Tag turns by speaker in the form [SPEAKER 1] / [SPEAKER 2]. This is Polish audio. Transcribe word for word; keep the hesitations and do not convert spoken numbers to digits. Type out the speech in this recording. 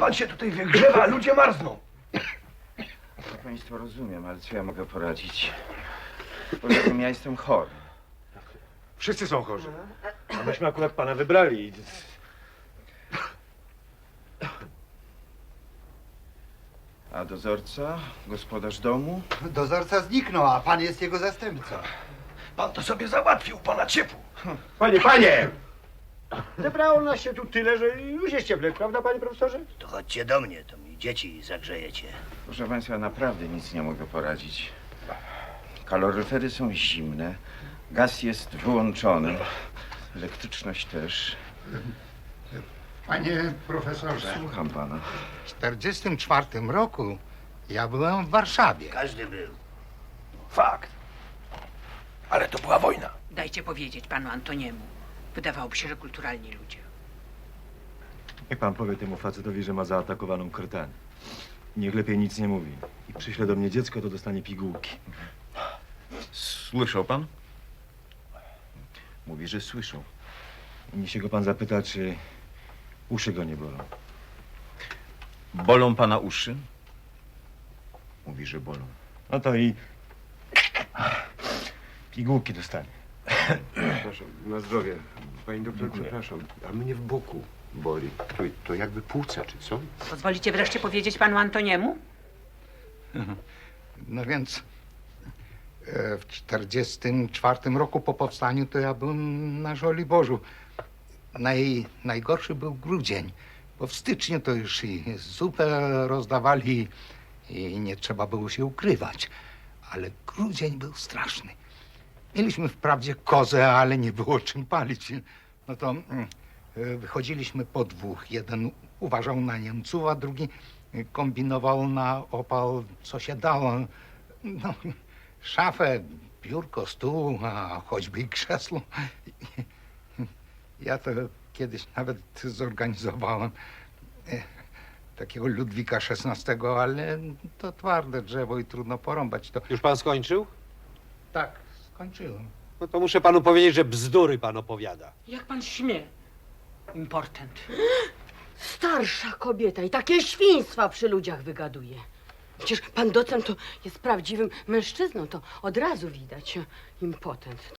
[SPEAKER 1] pan się tutaj wygrzewa, a ludzie marzną.
[SPEAKER 2] Ja państwo rozumiem, ale co ja mogę poradzić? Poza tym ja jestem chory.
[SPEAKER 3] Wszyscy są chorzy. A myśmy akurat pana wybrali.
[SPEAKER 2] A dozorca? Gospodarz domu?
[SPEAKER 4] Dozorca zniknął, a pan jest jego zastępcą.
[SPEAKER 1] Pan to sobie załatwił, pana ciepło.
[SPEAKER 3] Panie, panie! Zebrało nas się tu tyle, że już jest cieplej, prawda, panie profesorze?
[SPEAKER 5] To chodźcie do mnie, to mi dzieci zagrzejecie.
[SPEAKER 2] Proszę państwa, naprawdę nic nie mogę poradzić. Kaloryfery są zimne, gaz jest wyłączony, elektryczność też.
[SPEAKER 4] Panie profesorze,
[SPEAKER 2] Słucham pana.
[SPEAKER 4] w czterdziestym czwartym roku ja byłem w Warszawie.
[SPEAKER 5] Każdy był.
[SPEAKER 1] Fakt. Ale to była wojna.
[SPEAKER 6] Dajcie powiedzieć panu Antoniemu. Wydawałoby się, że kulturalni ludzie.
[SPEAKER 3] Niech pan powie temu facetowi, że ma zaatakowaną krtanię. Niech lepiej nic nie mówi. I przyśle do mnie dziecko, to dostanie pigułki.
[SPEAKER 2] Słyszał pan? Mówi, że słyszał.
[SPEAKER 3] Niech się go pan zapyta, czy uszy go nie bolą.
[SPEAKER 2] Bolą pana uszy? Mówi, że bolą.
[SPEAKER 3] No to i pigułki dostanie.
[SPEAKER 7] Przepraszam, na zdrowie. Pani doktor,
[SPEAKER 3] Dziękuję.
[SPEAKER 7] przepraszam, a mnie w boku boli. To, to jakby płuca, czy co?
[SPEAKER 6] Pozwolicie wreszcie powiedzieć panu Antoniemu?
[SPEAKER 4] No więc e, w czterdziestym czwartym roku po powstaniu to ja byłem na Żoliborzu. Naj, najgorszy był grudzień, bo w styczniu to już i zupę rozdawali i nie trzeba było się ukrywać. Ale grudzień był straszny. Mieliśmy wprawdzie kozę, ale nie było czym palić. No to mm, e, wychodziliśmy po dwóch. Jeden uważał na Niemców, a drugi kombinował na opał, co się dało. No, szafę, biurko, stół, a choćby i krzesło. Ja to kiedyś nawet zorganizowałem e, takiego Ludwika szesnastego, ale to twarde drzewo i trudno porąbać. To
[SPEAKER 8] Już pan skończył?
[SPEAKER 4] tak, skończyłem.
[SPEAKER 8] No to muszę panu powiedzieć, że bzdury pan opowiada.
[SPEAKER 6] Jak pan śmie? Important.
[SPEAKER 9] Starsza kobieta i takie świństwa przy ludziach wygaduje. Przecież pan docent to jest prawdziwym mężczyzną, to od razu widać. Impotent.